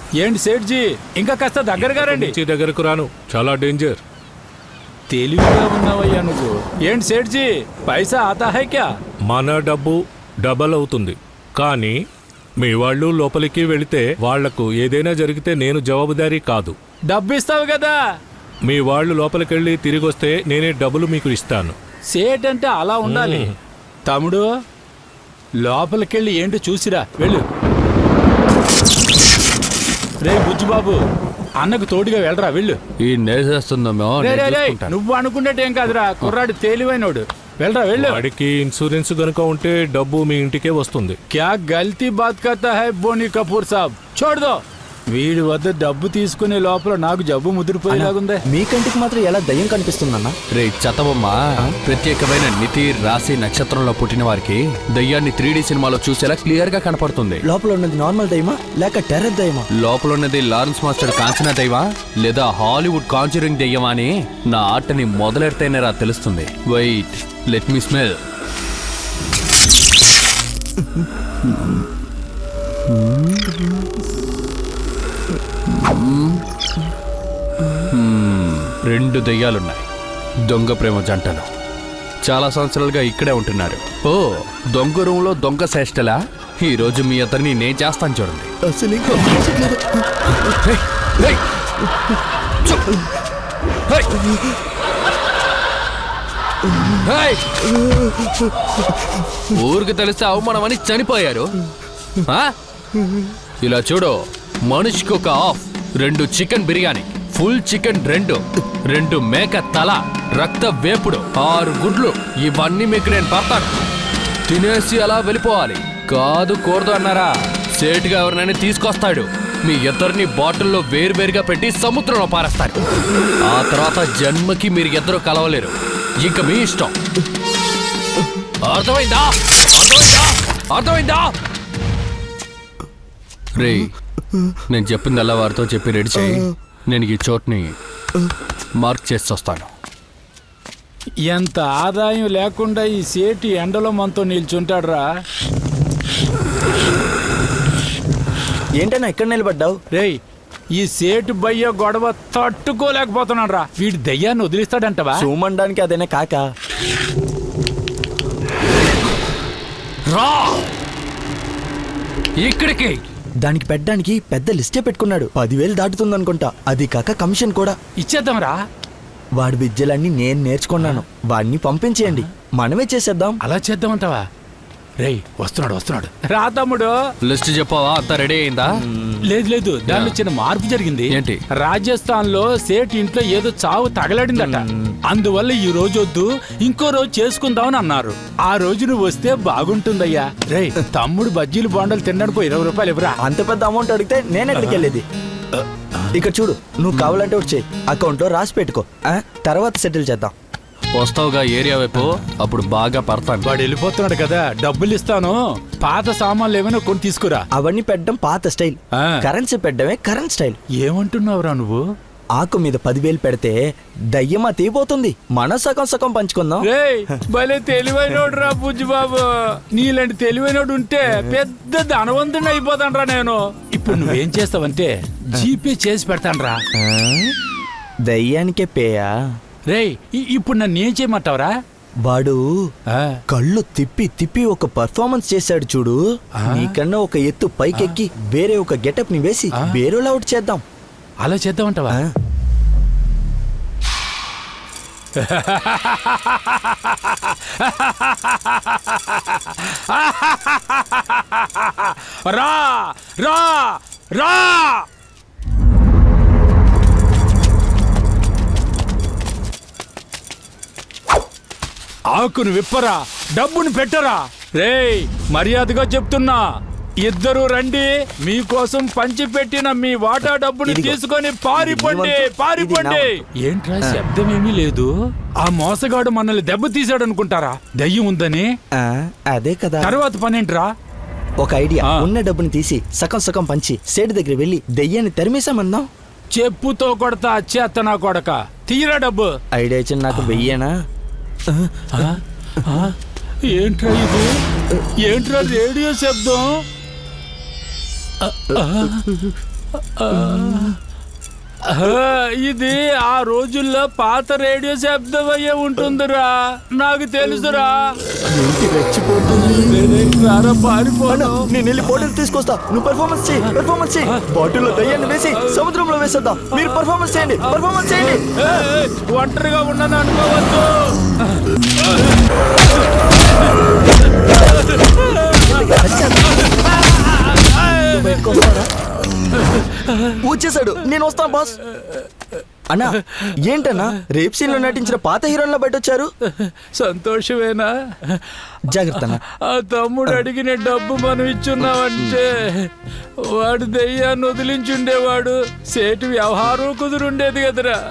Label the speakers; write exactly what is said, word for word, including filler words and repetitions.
Speaker 1: ఏంటి సేట్జీ ఇంకా కాస్త దగ్గరగా రండి.
Speaker 2: దగ్గరకు రాను, చాలా డేంజర్.
Speaker 1: తెలివిగా ఉన్నావయ్యా నువ్వు. ఏంటి సేట్జీ పైసా ఆతా హై క్యా?
Speaker 2: మన డబ్బు డబల్ అవుతుంది, కానీ మీ వాళ్ళు లోపలికి వెళితే వాళ్లకు ఏదైనా జరిగితే నేను జవాబుదారీ కాదు.
Speaker 1: డబ్బు ఇస్తావు కదా.
Speaker 2: మీ వాళ్ళు లోపలికెళ్ళి తిరిగి వస్తే నేనే డబ్బులు మీకు ఇస్తాను.
Speaker 1: సేట్ అంటే అలా ఉండాలి. తమ్ముడు లోపలికెళ్ళి ఏంటో చూసిరా, వెళ్ళు. రే బుజ్జుబాబు, అన్నకు తోడుగా వెళ్ళరా, వెళ్ళు.
Speaker 3: ఈ నేసేస్తుందమ్మో.
Speaker 1: నువ్వు అనుకున్నట్టేం కాదురా, కుర్రాడు తేలివైనోడు. వెళ్ళరా, వెళ్ళు.
Speaker 2: వాడికి ఇన్సూరెన్స్ గనుక ఉంటే డబ్బు మీ ఇంటికే వస్తుంది.
Speaker 1: క్యా గల్తీ బాత్ కర్తా హై బోనీ కపూర్ సాబ్, చోడ్ దో. వీడి వద్ద డబ్బు తీసుకునే లోపల నాకు జబ్బు ముదిరిపోయేలాగుందే.
Speaker 4: మీ కంటికి మాత్రం ఎలా దయ్యం కనిపిస్తుందన్నా?
Speaker 3: రే చతవమ్మ, ప్రత్యేకమైన నితి రాశి నక్షత్రంలో పుట్టిన వారికి దయ్యాన్ని త్రీ డి సినిమాలో చూసేలా క్లియర్ గా కనపడుతుంది.
Speaker 4: లోపల ఉన్నది నార్మల్ దయ్యమా లేక టెర్రర్ దయ్యమా?
Speaker 3: లోపల ఉన్నది లారెన్స్ మాస్టర్ కాంచనా దయ్యమా లేదా హాలీవుడ్ కాంచరింగ్ దయ్యమా అని నా ఆటని మొదలెడితేనే రా తెలుస్తుంది. Wait, let me smell. రెండు దయ్యాలున్నాయి, దొంగ ప్రేమ జంటలు. చాలా సంవత్సరాలుగా ఇక్కడే ఉంటున్నారు. ఓ, దొంగ రూమ్లో దొంగ శ్రేష్టలా? ఈ రోజు మీ అతన్ని నేను చేస్తాను చూడండి. ఊరికి తెలిస్తే అవమానమని చనిపోయారు. ఇలా చూడు, మనిషికి ఒక హాఫ్, రెండు చికెన్ బిర్యానీ, ఫుల్ చికెన్ రెండు, రెండు మేక తల, రక్త వేపుడు, ఆరు గుడ్లు, ఇవన్నీ మీకు నేను పడతాను. తినేసి అలా వెళ్ళిపోవాలి. కాదు కూడదు అన్నారా, సేటుగా ఎవరినైనా తీసుకొస్తాడు. మీ ఇద్దరిని బాటిల్లో వేరువేరుగా పెట్టి సముద్రంలో పారేస్తాడు. ఆ తర్వాత జన్మకి మీరు ఇద్దరు కలవలేరు. ఇంకా మీ ఇష్టం. అర్థమైందా? అర్థమైందా? అర్థమైందా? రే, నేను చెప్పింది అలా వారితో చెప్పి రెడీ చేయి. నేను ఈ చోట్ని మార్క్ చేసి వస్తాను.
Speaker 1: ఎంత ఆదాయం లేకుండా ఈ సేటి ఎండలో మనతో నిల్చుంటాడు రా.
Speaker 4: ఏంటన్నా ఇక్కడ నిలబడ్డావు?
Speaker 1: రేయ్, ఈ సేటు బయ్య గొడవ తట్టుకోలేకపోతున్నాడు రా. వీడి దయ్యాన్ని వదిలిస్తాడంటవా?
Speaker 4: చూమనడానికి అదేనా కాక?
Speaker 3: రా ఇక్కడికి.
Speaker 4: దానికి పెట్టడానికి పెద్ద లిస్టే పెట్టుకున్నాడు. పదివేలు దాటుతుందనుకుంటా. అది కాక కమిషన్ కూడా
Speaker 1: ఇచ్చేద్దాం రా.
Speaker 4: వాడి విద్యలన్నీ నేను నేర్చుకున్నాను. వాడిని పంపించేయండి, మనమే చేసేద్దాం.
Speaker 1: అలా చేద్దామంటావా? రేయ్, వస్తున్నాడు వస్తున్నాడు రా తమ్ముడు.
Speaker 3: లిస్ట్ చెప్పావా? అంతా రెడీ అయిందా?
Speaker 1: లేదు లేదు, దానిలో చిన్న మార్పు జరిగింది.
Speaker 3: ఏంటి?
Speaker 1: రాజస్థాన్ లో సేట్ ఇంట్లో ఏదో చావు తగలడిందట. అందువల్ల ఈ రోజు వద్దు, ఇంకో రోజు చేసుకుందామని అన్నారు. ఆ రోజు నువ్వు వస్తే బాగుంటుందయ్యా. రేయ్, తమ్ముడు బజ్జీలు బొండలు తినడానికి ఇరవై రూపాయలు ఇవ్వరా.
Speaker 4: అంత పెద్ద అమౌంట్ అడిగితే నేను ఎక్కడికి వెళ్ళేది? ఇక్కడ చూడు, నువ్వు కావాలంటే వచ్చి అకౌంట్ లో రాసి పెట్టుకో, తర్వాత సెటిల్ చేద్దాం.
Speaker 3: వస్తావుగా ఏరియా వైపు, అప్పుడు బాగా పడతాను.
Speaker 1: వాడు వెళ్ళిపోతున్నాడు కదా, డబ్బులు ఇస్తాను. పాత సామాన్లు ఏమైనా కొని తీసుకురా.
Speaker 4: అవన్నీ పెట్టడం పాత స్టైల్, కరెన్సీ పెట్టడమే కరెంట్ స్టైల్.
Speaker 1: ఏమంటున్నావురా నువ్వు?
Speaker 4: ఆకు మీద పదివేలు పెడితే దయ్యమా తీపోతుంది. మన సగం సగం పంచుకుందాం.
Speaker 1: భలే తెలివైనోడు రా బుజ్జిబాబు. నీలాంటి తెలివైనోడు ఉంటే పెద్ద ధనవంతుని అయిపోతాను రా నేను. ఇప్పుడు నువ్వేం చేస్తావంటే జీపే చేసి పెడతాను రా.
Speaker 4: దయ్యానికే పేయా?
Speaker 1: రేయ్, ఇప్పుడు నన్ను ఏం చేయమంటావరా?
Speaker 4: వాడు కళ్ళు తిప్పి తిప్పి ఒక పర్ఫార్మెన్స్ చేశాడు చూడు. నీకన్నా ఒక ఎత్తు పైకెక్కి వేరే ఒక గెటప్ ని వేసి వేరేలా అవుట్ చేద్దాం.
Speaker 1: అలా చేద్దామంటావా? రా రా రా. ఆకును విప్పరా, డబ్బును పెట్టరా. రేయ్, మర్యాదగా చెప్తున్నా, ఇద్దరు రండి. మీకోసం పంచి పెట్టిన మీ వాటా డబ్బుని తీసుకొని పారిపోండి, పారిపోండి. ఏంట్రా శబ్దం ఏమీ లేదు? ఆ మోసగాడు మనల్ని దెబ్బ తీసాడు అనుకుంటారా? దయ్యం ఉందని.
Speaker 4: అదే కదా.
Speaker 1: తర్వాత పనేంట్రా?
Speaker 4: ఒక ఐడియా. ఉన్న డబ్బుని తీసి సగం సగం పంచి సేటు దగ్గర వెళ్ళి దయ్యాన్ని తరిమేశామందాం.
Speaker 1: చెప్పుతో కొడతా చేత నా కొడక. తీరా డబ్బు.
Speaker 4: ఐడియా ఇచ్చిన నాకు వెయ్యేనా?
Speaker 1: ఏంట్రా ఇది? ఏంట్రా రేడియో శబ్దం? ఆ, ఇది ఆ రోజుల్లో పాత రేడియో శబ్దం అయ్యే ఉంటుందిరా, నాకు తెలుసురా.
Speaker 4: ఏంటి రెచ్చిపోతుంది?
Speaker 1: రారా, పారిపోను.
Speaker 4: నేను వెళ్ళి బాటిల్ తీసుకొస్తా, నువ్వు పెర్ఫార్మెన్స్ చేయి, పెర్ఫార్మెన్స్ చేయి. బాటిల్లో దయ్యాన్ని వేసి సముద్రంలో వేసేద్దాం. మీరు పెర్ఫార్మెన్స్ చేయండి, పెర్ఫార్మెన్స్ చేయండి.
Speaker 1: ఏయ్, ఏయ్, ఒంటరిగా ఉన్నాను అనుకోవద్దు.
Speaker 4: బయటకు వస్తారా? వచ్చేసాడు, నేను వస్తాను బాస్. అన్నా ఏంటన్నా రేప్ సీన్ లో నటించిన పాత హీరోయిన్ల బయట వచ్చారు?
Speaker 1: సంతోషమేనా?
Speaker 4: జాగ్రత్త అన్నా.
Speaker 1: ఆ తమ్ముడు అడిగిన డబ్బు మనం ఇచ్చున్నావంటే వాడు దెయ్యాన్ని వదిలించుండేవాడు, సేటు వ్యవహారం కుదురుండేది కదరా.